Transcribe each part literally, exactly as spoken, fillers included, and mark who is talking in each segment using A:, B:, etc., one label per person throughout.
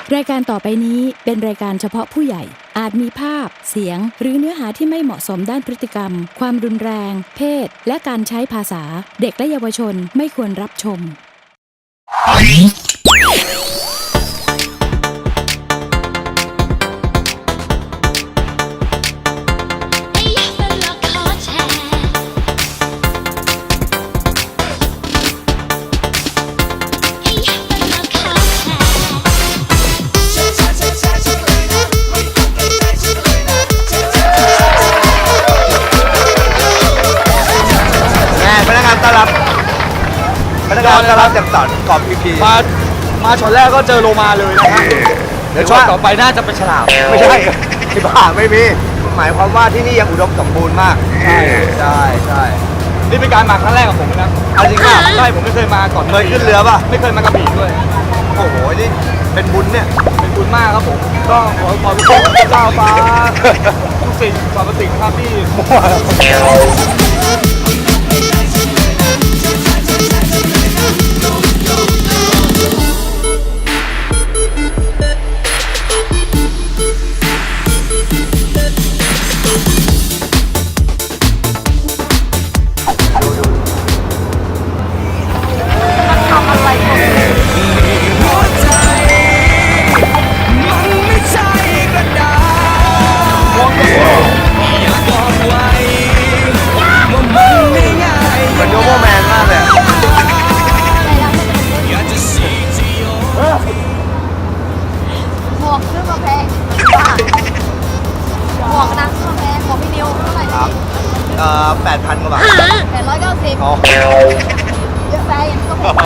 A: รายการต่อไปนี้เป็นรายการเฉพาะผู้ใหญ่อาจมีภาพเสียงหรือเนื้อหาที่ไม่เหมาะสมด้านพฤติกรรมความรุนแรงเพศและการใช้ภาษาเด็กและเยาวชนไม่ควรรับชม
B: พนักงานต้อนรับพนักงานต้อนรับจากสอนกอบพีพี
C: มามาช็อตแรกก็เจอโลมาเลยนะครับเดี๋ยวช็อตต่อไปน่าจะเป็นฉลาม
B: ไม่ใช่ที่บ้าไม่มีหมายความว่าที่นี่ยังอุดมสมบูรณ์มากใช่ใช่ใช่
C: นี่เป็นการมาครั้งแรกของผมนะ
B: เอาจริงป่ะ
C: ใช่ผมไม่เคยมาก่อน
B: เคยขึ้นเรือป่ะ
C: ไม่เคยมากระบี่ด้วย
B: โอ้โหนี่เป็นบุญเนี่ย
C: เป็นบุญมากครับผมก็ขอขอบคุณเจ้าฟ้าทุกสิ่งสรรพสิ่งครับที่
B: แปดพันกว่าบาท
D: แปดร้อยเก้าสิบ
B: อ๋อ
D: เยอะไปยังก็พอ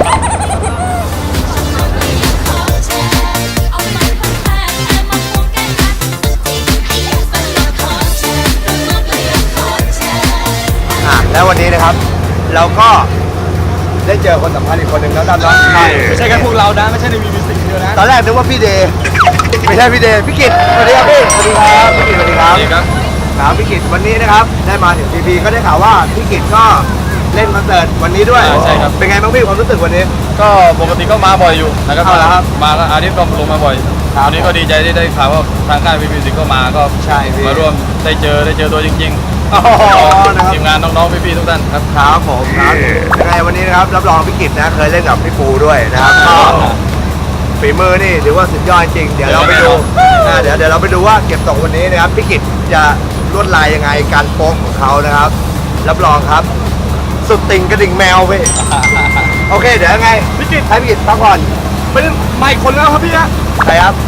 B: อ่ะแล้ววันนี้นะครับเราก็ได้เจอคนสำคัญอีกคนหนึ่งแล้วกันเนาะ
C: ไม่ใช่แค่พวกเรานะไม่ใช่ในวีวีสิเดียวนะ
B: ตอนแรกนึกว่าพี่เดย์ไม่ใช่พี่เดย์พี่กิตสวัสดีครับพี่สวัสดีครับพี่กิตสวัสดีครับครับพี่กิตวันนี้นะครับได้มาถึงพีพีก็ได้ข่าวว่าพี่กิตก็เล่นคอนเสิร์ตวันนี้ด้วย
C: ใช่ครับ
B: เป็นไงบ้างพี่ความรู้สึกวันนี้
C: ก็ปกติก็มาบ่อยอยู่นะครับ
B: เอาละครับ
C: มาก็อาทิตย์ก็ลงมาบ่อยวันนี้ก็ดีใจที่ได้ข่าวว่าทางค่ายวีวีสิก็มาก็
B: ใช่
C: มาร่วมได้เจอได้เจอตัวจริงๆทีมงานน้องๆพี่ๆทุกท่านครับ
B: ครับผมครับยังไงวันนี้นะครับรับรองพี่กิตนะเคยเล่นกับพี่ปูด้วยนะครับก็ฝีมือนี่ถือว่าสุดยอดจริงเดี๋ยวเราไปดูเดี๋ยวเดี๋ยวเราไปดูว่าเก็บตกวันนี้นะครับพี่กิตจะลวดลายยังไงการโป๊กของเขานะครับรับรองครับสุดติ่งกระดิ่งแมวพี่โอเคเดี๋ยวยังไง
C: พี่กิต
B: ให้พี่กิตพักผ่อน
C: ไม่ไม่คนแล้วครับพี่นะ
B: ใครครับ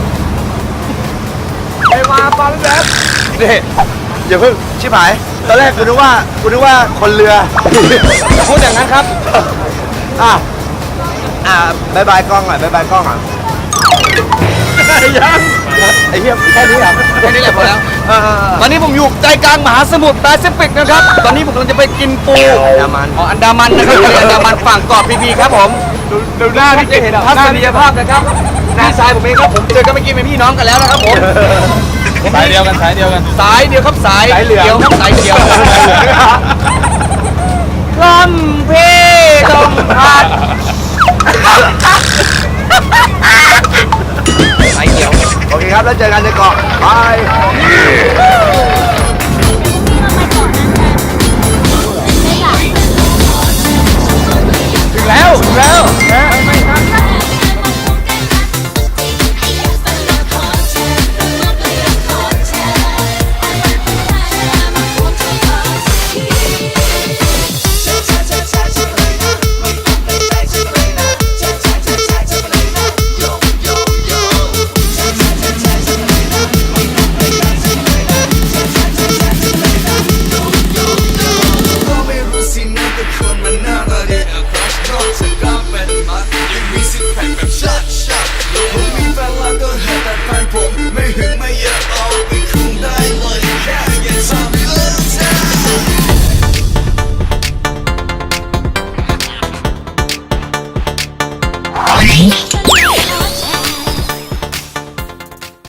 C: ไปมาฟังแบบ
B: นี่อย่าเพิ่งชิบหายตอนแรกกูนึกว่ากูนึกว่าคนเรือ
C: พูดอย่างนั้นครับ
B: อ่ะอ่ะบายบายกล้องหน่อยบายบายกล้องอ่ะ
C: ยัง
B: ไอ้เหี้ยแค่นี้อ่ะ
C: แค่นี้แหละพอแล้วตอนนี้ผมอยู่ใจกลางมหาสมุทรแปซิฟิกนะครับตอนนี้ผมกำลังจะไปกินปู
B: อันดามัน
C: อ๋ออันดามันนะครับอันดามันฝั่งเกาะพีพีครับผมดูหน้าที่จะเห็นทัศนียภาพนะครับพี่ชายผมเองครับผมเจอกันเมื่อกี้เป็นพี่น้องกันแล้วนะครับผมสายเดียวกันสายเดียวกันสายเดียวครับสาย
B: เหลือง
C: ครับสายเขียวลำเพลมพัดสายเขียว
B: โอเคครับแล้วเจอกันในเกาะบาย
C: ถึงแล้วถึงแล้ว